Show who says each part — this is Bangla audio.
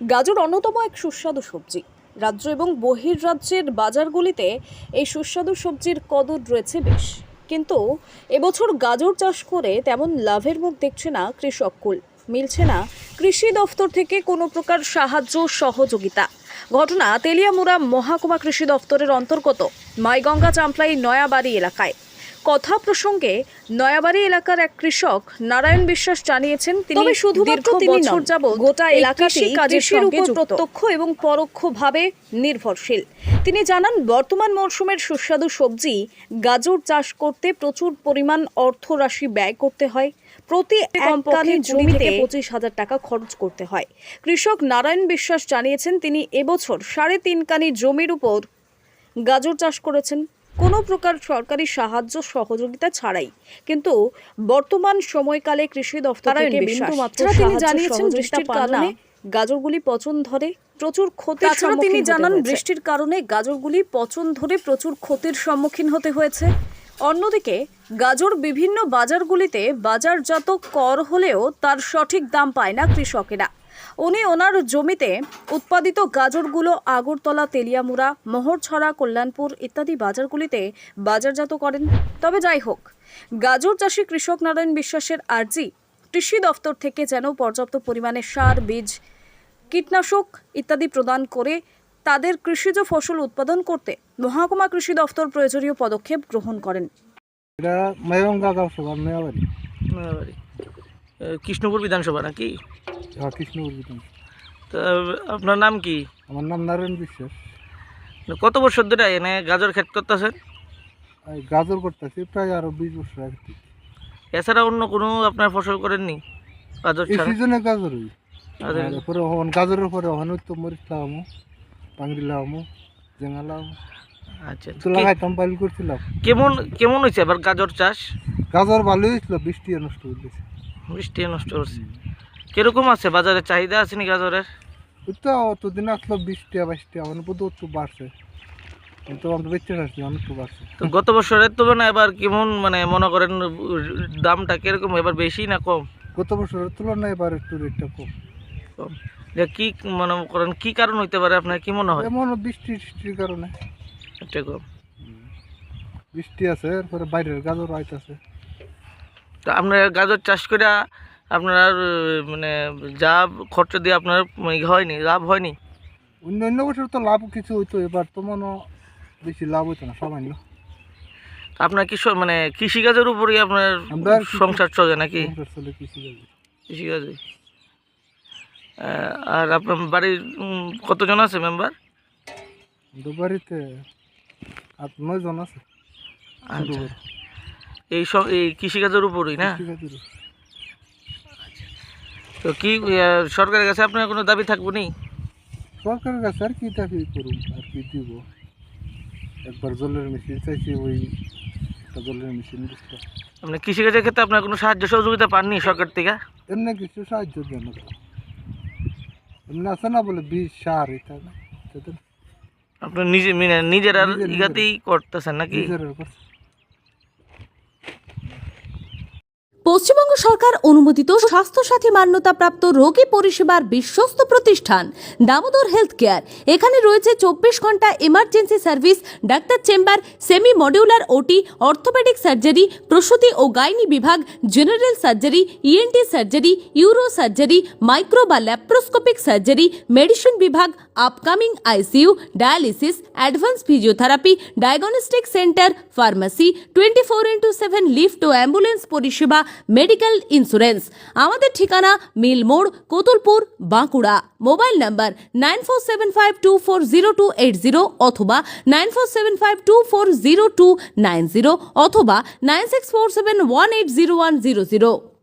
Speaker 1: গাজর অন্যতম এক সুস্বাদু সবজি। রাজ্য এবং বহির্রাজ্যের বাজারগুলিতে এই সুস্বাদু সবজির কদর রয়েছে বেশ, কিন্তু এবছর গাজর চাষ করে তেমন লাভের মুখ দেখছে না কৃষককুল। মিলছে না কৃষি দফতর থেকে কোনো প্রকার সাহায্য সহযোগিতা। ঘটনা তেলিয়ামুড়া মহকুমা কৃষি দফতরের অন্তর্গত মাইগঙ্গা চাম্পলাই নয়াবাড়ি এলাকায়। কথা প্রসঙ্গে নয়াবাড়ি এলাকার এক কৃষক নারায়ণ বিশ্বাস জানিয়েছেন, তিনি শুধুমাত্র বছর যাবৎ গোটা এলাকাতেই কৃষির উপর প্রত্যক্ষ এবং পরোক্ষভাবে নির্ভরশীল। তিনি জানান, বর্তমান মরশুমের সুস্বাদু সবজি গাজর চাষ করতে প্রচুর পরিমাণ অর্থরাশি ব্যয় করতে হয়। প্রতি কমপক্ষে জমিতে 25,000 টাকা খরচ করতে হয়। কৃষক নারায়ণ বিশ্বাস জানিয়েছেন, তিনি এবছর 3.5 কানি জমির উপর গাজর চাষ করেছেন, কোনো প্রকার সরকারি সাহায্য সহযোগিতা ছাড়াই। কিন্তু বর্তমান সময়কালে কৃষি দফতর থেকে বিন্দুমাত্র তিনি জানিয়েছেন, বৃষ্টির কারণে গাজরগুলি পচন ধরে প্রচুর ক্ষতির সম্মুখীন। তিনি জানান, বৃষ্টির কারণে গাজরগুলি পচন ধরে প্রচুর ক্ষতির সম্মুখীন হতে হয়েছে। অন্যদিকে গাজর বিভিন্ন বাজারগুলিতে বাজারজাত কর হলেও তার সঠিক দাম পায় না কৃষকেরা। উনি ওনার জমিতে উৎপাদিত গাজরগুলো আগরতলা, তেলিয়ামুড়া, মোহরছড়া, কল্যাণপুর ইত্যাদি বাজারগুলিতে বাজারজাত করেন। তবে যাই হোক, গাজর চাষি কৃষক নারায়ণ বিশ্বাসের আর্জি, কৃষি দফতর থেকে যেন পর্যাপ্ত পরিমাণে সার, বীজ, কীটনাশক ইত্যাদি প্রদান করে তাদের কৃষিজ ফসল উৎপাদন করতে মহকুমা কৃষি দফতর প্রয়োজনীয় পদক্ষেপ গ্রহণ করেন।
Speaker 2: কৃষ্ণপুর বিধানসভা নাকি?
Speaker 3: কৃষ্ণপুর বিধানসভা।
Speaker 2: তা আপনার নাম কি?
Speaker 3: আমার নাম নারায়ণ বিশ্বাস।
Speaker 2: কত বছর ধরে এনে গাজর ক্ষেত করতেছেন?
Speaker 3: গাজর করতেছি প্রায় আরো 20 বছর আগে থেকে।
Speaker 2: এছাড়া অন্য কোনো আপনার ফসল করেননি? গাজর
Speaker 3: এই
Speaker 2: ছাড়া
Speaker 3: সিজনে গাজরই। তারপরে গাজরের পরে ওখানে তো মরিচ লাগামো, পাংড়ি লাগামো, জেঙ্গা লাগামো।
Speaker 2: আচ্ছা,
Speaker 3: তো লাগাইতাম, পাইল করছিলাম।
Speaker 2: কেমন হয়েছে আবার গাজর চাষ?
Speaker 3: গাজর ভালোই হয়েছিল, বৃষ্টি নষ্ট হয়ে গেছে।
Speaker 2: বৃষ্টি নষ্ট করছে। কিরকম আছে বাজারে চাহিদা আছে নি গাজরের?
Speaker 3: ওই তো অতদিন আসলো 20 টাকা 22 টাকা, মানে বোধ একটু বাড়ছে, কিন্তু আমরা বেঁচে আসছি অনেক একটু বাড়ছে।
Speaker 2: তো গত বছরের তো মানে এবার কেমন, মানে মনে করেন দামটা কিরকম, এবার বেশি না কম?
Speaker 3: গত বছরের তুলনায় এবার একটু রেটটা কম।
Speaker 2: কম। কি মনে করেন কি কারণ হইতে পারে আপনার, কি মনে হয়?
Speaker 3: এমন বৃষ্টির কারণে
Speaker 2: এটা কম।
Speaker 3: বৃষ্টি আছে, এরপরে বাইরের গাজর আইতাছে।
Speaker 2: তো আপনার গাজর চাষ করে আপনার মানে যা খরচা দিয়ে আপনার হয়নি, লাভ হয়নি?
Speaker 3: অন্য বছর তো লাভ কিছু হইতো, এবার তো মনে বেশি লাভ হইতো না, সামান্য।
Speaker 2: আপনার কি মানে কৃষিকাজের উপরেই আপনার সংসার চলে নাকি? কৃষিকাজে। আর আপনার বাড়ির কতজন আছে মেম্বার?
Speaker 3: বাড়িতে 8-9 জন আছে।
Speaker 2: এই কৃষিকাজের উপরেই না? তো কি সরকারের কাছে আপনার কোনো দাবি থাকবো নি?
Speaker 3: সরকারের কাছে আর কি দাবি করুন, আর কি দিব? একবার জলের মেশিন চাইছি, ওই একটা জলের মেশিন দিচ্ছিল।
Speaker 2: আপনি কৃষিকাজের ক্ষেত্রে আপনার কোনো সাহায্য সহযোগিতা পাননি সরকার থেকে?
Speaker 3: এমনি কিছু সাহায্য দেন না, এমনি আছে না বলে বীজ, সার, এটা না।
Speaker 2: আপনি নিজের আর ইগাতেই করতেছেন নাকি?
Speaker 4: পশ্চিমবঙ্গ সরকার অনুমোদিত স্বাস্থ্যসাথী মান্যতাপ্রাপ্ত রোগী পরিষেবার বিশ্বস্ত প্রতিষ্ঠান দামোদর হেলথ কেয়ার। এখানে রয়েছে 24 ঘন্টা emergency service, doctor chamber, semi modular OT, orthopedic surgery, প্রসূতি ও গাইনি বিভাগ, general surgery, ENT surgery, uro surgery, micro বা ল্যাপ্রোস্কোপিক সার্জারি, মেডিসিন বিভাগ, upcoming ICU, dialysis, advance physiotherapy, diagnostic centre, pharmacy, 24x7 lift ও অ্যাম্বুলেন্স পরিষেবা, মেডিকেল ইন্স্যুরেন্স। আমাদের ঠিকানা মিল মোড়, কোতুলপুর, বাঁকুড়া। মোবাইল নাম্বার 9475240280 অথবা 9475240290 অথবা 9647180100।